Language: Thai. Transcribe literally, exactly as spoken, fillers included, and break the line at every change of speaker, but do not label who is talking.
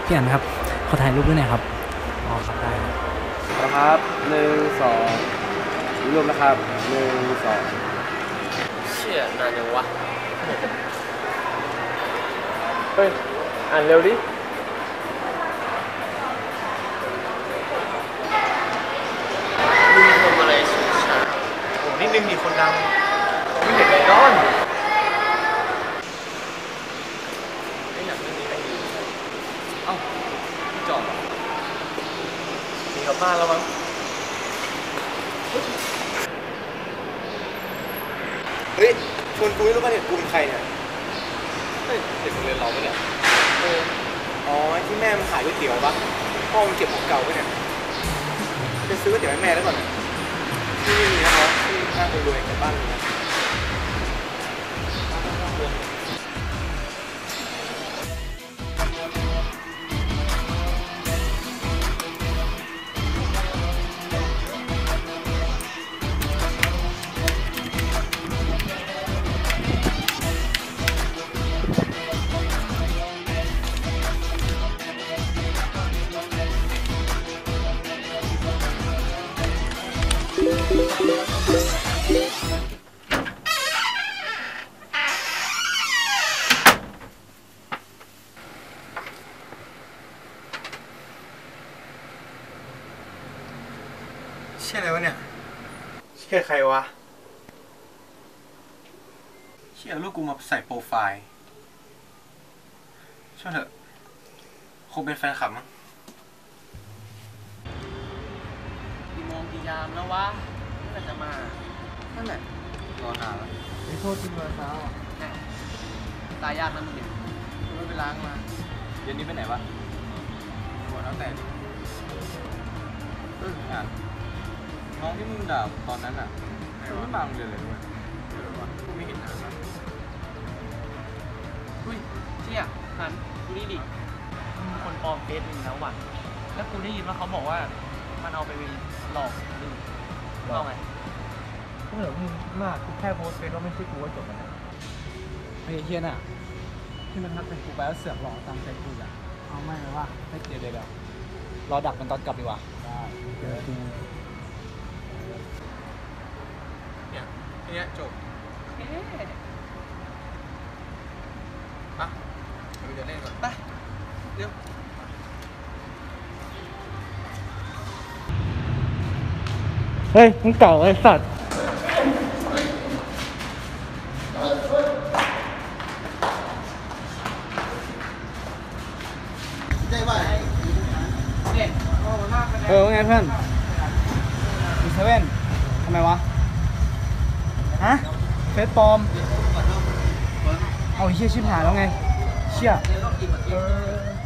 พี่อันครับขอถ่ายรูปด้วยหน่อยครับอ๋อครับได้
นะครับหนึ่งสองรวมนะครับหนึ่งสองเชี่ยนานยังวะเฮ้ยอ่านเร็วดิมึงทำอะไรสุดช้าโอ้นิดนึงมีคนดังไม่เห็นเลยนอนไอ้หนังเรื่องนี้ไม่ดีเอ้าพี่จอมหนีกลับบ้านแล้วมั้งเฮ้ยชวนกูไม่รู้ป่ะเนี่ยกูเป็นใครเนี่ยเฮ้ยเด็กโรงเรียนเราปะเนี่ยเอออ๋อที่แม่มันขายก๋วยเตี๋ยวปะพ่อมันเก็บของเก่าปะเนี่ยจะซื้อก๋วยเตี๋ยวให้แม่ได้ก่อนเนี่ยที่นี่มีนะครับที่ข้างคนรวยกับบ้านนะเชี่ยอะไรวะเนี่ยเชี่ยใครวะเชี่ยลูกกูมาใส่โปรไฟล์ช่วยเถอะคงเป็นแฟนคลับมั้งกี่โมงกี่ยามแล้ววะเมื่อจะมานั่นแหละรอนานแล้วไม่โทษจริงเลยเช้าตายยากนะมึงเนี่ยไม่ไปล้างมาเย็นนี้ไปไหนวะหัวแล้วแต่เอออ่านน้องที่มึงด่าตอนนั้นอ่ะไม่มาโรงเรียนเลยด้วยเออวะกูไม่เห็นนานแล้วอุ้ยเชี่ยหันดูนี่ดิมีคนปลอมเฟซมึงแล้วว่ะแล้วกูได้ยินว่าเขาบอกว่ามันเอาไปหลอกมึงหลอกไงก็เหลือมึงมากกูแค่โพสเฟซว่าไม่ใช่กูก็จบแล้วนะไอ้เฮียน่ะที่มันทักเป็นกูไปแล้วเสือกหลอกตามใจกูอ่ะเอาไม่เลยว่าไม่เดี๋ยวเดี๋ยวรอดักมันตอนกลับดีกว่าได้เดี๋ยวดูเนี่ยทีเนี้ยจบอ่ะเดี๋ยวเล่นก่อนไปเดี๋ยวเฮ้ยมึงเก่าไอ้สัตว์เออว่าไงเพื่อนมีเซเว่นทำไมวะฮะเฟซปลอมเอาเชี่ยชิบหายแล้วไงเชี่ยเออ